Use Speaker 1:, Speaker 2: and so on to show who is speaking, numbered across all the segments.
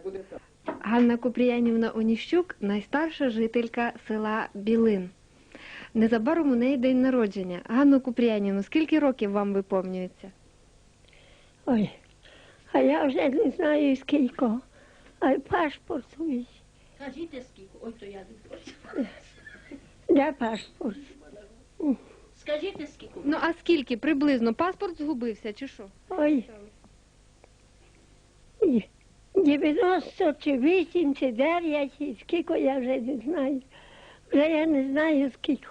Speaker 1: Ганна Купріянівна Оніщук – найстарша жителька села Білин. Незабаром у неї день народження. Ганно Купріянівну, скільки років вам виповнюється?
Speaker 2: Ой, а я вже не знаю скільки, а й паспорт свій.
Speaker 3: Кажіть скільки, ой, то я не хочу.
Speaker 2: Де паспорт?
Speaker 3: Скажіть скільки.
Speaker 1: Ну, а скільки приблизно? Паспорт згубився чи що?
Speaker 2: Ой, 90 чи 8 чи 9, і скільки я вже не знаю. Вже я не знаю скільки.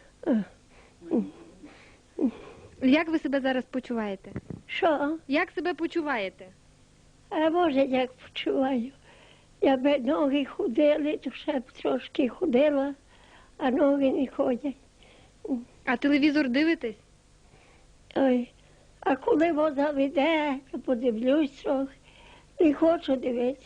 Speaker 1: Як ви себе зараз почуваєте?
Speaker 2: Що?
Speaker 1: Як себе почуваєте?
Speaker 2: А може як почуваю. Я би ноги ходили, то ще б трошки ходила, а ноги не ходять.
Speaker 1: А телевізор дивитесь?
Speaker 2: Ой, а коли вода веде, то подивлюсь трохи. Не хочу дивитися.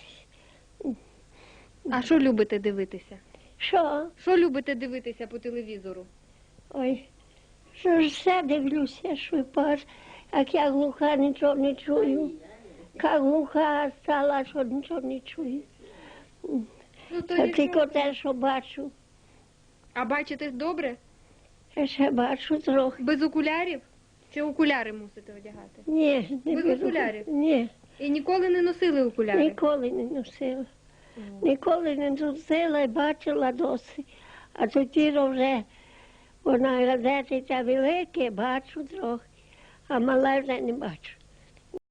Speaker 1: А що любите дивитися?
Speaker 2: Що?
Speaker 1: Що любите дивитися по телевізору?
Speaker 2: Ой, що ж все дивлюся, що паш, як я глуха, нічого не чую. Як глуха стала, що нічого не чую.
Speaker 1: Ну, то
Speaker 2: А тільки те, що бачу.
Speaker 1: А бачите добре?
Speaker 2: Я ще бачу трохи.
Speaker 1: Без окулярів? Чи окуляри мусите одягати?
Speaker 2: Ні, не
Speaker 1: Без
Speaker 2: беру.
Speaker 1: окулярів?
Speaker 2: Ні,
Speaker 1: І ніколи не носили окуляри?
Speaker 2: ніколи не носила. Ніколи не носила і бачила досить. А тоді вже вона газети та велике, бачу трохи, а мале вже не бачу.